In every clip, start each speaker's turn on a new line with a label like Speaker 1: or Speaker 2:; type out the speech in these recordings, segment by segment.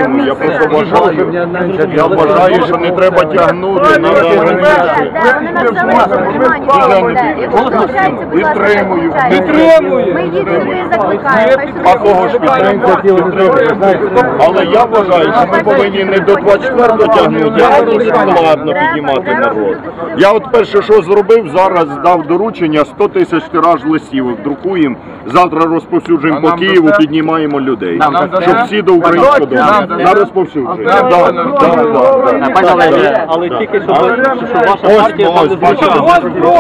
Speaker 1: підтримую, я просто вважаю, що не треба тягнути, підтримую.
Speaker 2: Ми їх сюди закликаємо.
Speaker 1: А кого ж підтримує? Але я вважаю, що ми повинні не до 24-го тягнути, а дуже складно піднімати народ. Я от перше, що зробив, зараз дав доручення 100 тисяч тираж листівок, друкуємо, завтра розповсюджуємо по Києву, піднімаємо людей, щоб всі до українського дому. На розповсюдження.
Speaker 3: Пане Олеже, але тільки щоб ваша партія там не звучала.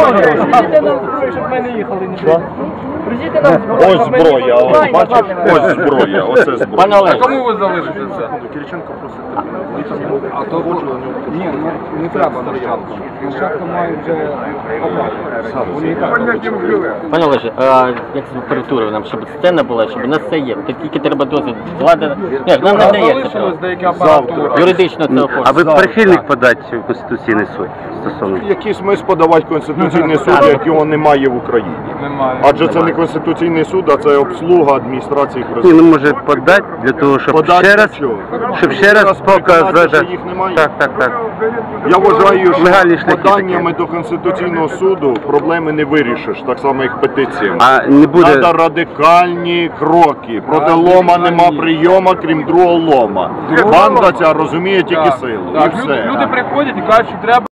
Speaker 1: Ось зброя, ось бачиш, ось зброя, оце зброя.
Speaker 3: Пане Олеже,
Speaker 4: Кому ви залишите це?
Speaker 1: Кириченко просить.
Speaker 4: А то ні, не треба нащадку. Нащадку мають вже
Speaker 3: пане Олеже, як з температурою нам, щоб сцена була, щоб у нас все є. Тільки треба дозвіл. Влада, нам не дається. Юридично це оформлено.
Speaker 5: А ви прихильник подати в Конституційний суд стосовно?
Speaker 1: Який смисл подавати Конституційний суд, як його немає в Україні?
Speaker 4: Немає.
Speaker 1: Адже це не Конституційний суд, а це обслуга адміністрації
Speaker 5: Ні,
Speaker 1: президента.
Speaker 5: ну може подати для того, щоб ще раз показати.
Speaker 1: що їх немає.
Speaker 5: Так.
Speaker 1: Я вважаю,
Speaker 5: Легальні
Speaker 1: що
Speaker 5: шляхи
Speaker 1: поданнями до Конституційного суду проблеми не вирішиш, так само як петиціями.
Speaker 5: А не буде...
Speaker 1: Треба радикальні кроки. Проти лома нема прийома, крім другого лома. Банда ця розуміє тільки силу. І все.
Speaker 4: Люди приходять і кажуть, що треба